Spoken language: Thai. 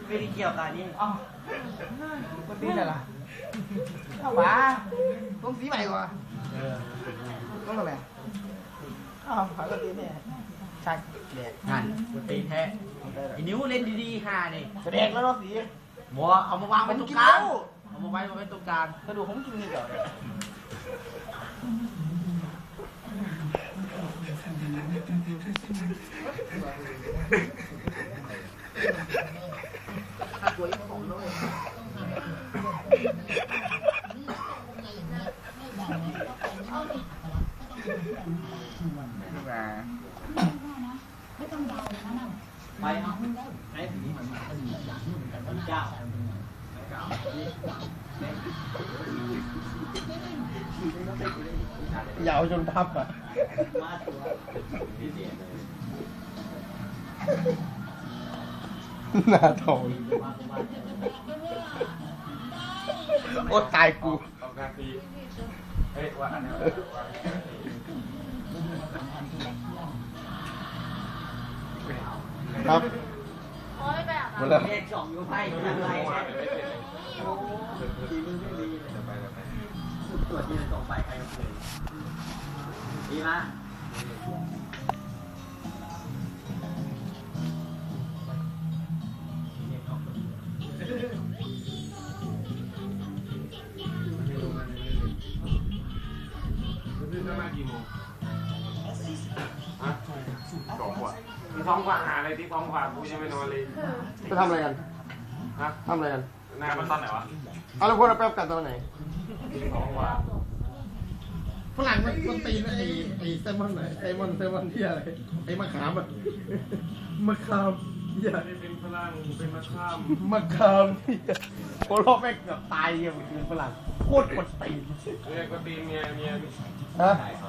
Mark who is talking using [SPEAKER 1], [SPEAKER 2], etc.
[SPEAKER 1] ไม่ได้เกี่ยวกับนี่อ๋อ
[SPEAKER 2] คนตีอะไรล่ะเอาหวาต้องสีใหม่กว่าต้องทำไมอ้าวขายคนตีเนี่ยใช่แดก
[SPEAKER 1] งานคนตีแท้ไอ้นิ้วเล่นดีๆค่ะนี่
[SPEAKER 2] แดกแล้วเนาะสี
[SPEAKER 1] หมอเอามาวางไว้ตรงกลางเอามาไว้ตรงกลาง
[SPEAKER 2] กระดูกผมกินนี่เดี๋ยวถ้าตัวอีกของน้อย
[SPEAKER 1] ไปเอาไหนเจ้า
[SPEAKER 2] ยาวจนทับอ่ะหน้าทองโอ้ตายกู
[SPEAKER 3] เฮ้ยว่าอันนี้
[SPEAKER 2] ครับ
[SPEAKER 4] โอ้ยไปอ่ะ
[SPEAKER 2] หมดแล้ว
[SPEAKER 1] เรียกสองยูไพ่อะไรทีมึงไม่ดีตัวที่จะส่งไปใครก็คือดีมาก
[SPEAKER 3] จะมากี่โมงฮะ2 กว่ามีท้องกว่าหาอะไรที่ท้องกว่ากูยังไม่นอนเลย
[SPEAKER 2] ไปทำอะไรกัน
[SPEAKER 3] ฮะ
[SPEAKER 2] ทำอะไรกัน
[SPEAKER 3] นายมันตอนไหนวะ
[SPEAKER 2] เอาแล้วพวกเราแป๊บกันตอนไหน
[SPEAKER 3] ท้องกว่า
[SPEAKER 2] ฝรั่งมันตีนไอ้แซลมอนไหนแซลมอนที่อะไรไอ้มะขามอ่ะมะขาม
[SPEAKER 3] อย่าได้เป็นฝรั่งเป็นมะขาม
[SPEAKER 2] มะขามโคโรแม่งเกือบตายอย่างเป็นฝรั่งโคตรกดตีน
[SPEAKER 3] เรียกว่าตีเมีย
[SPEAKER 2] ฮะ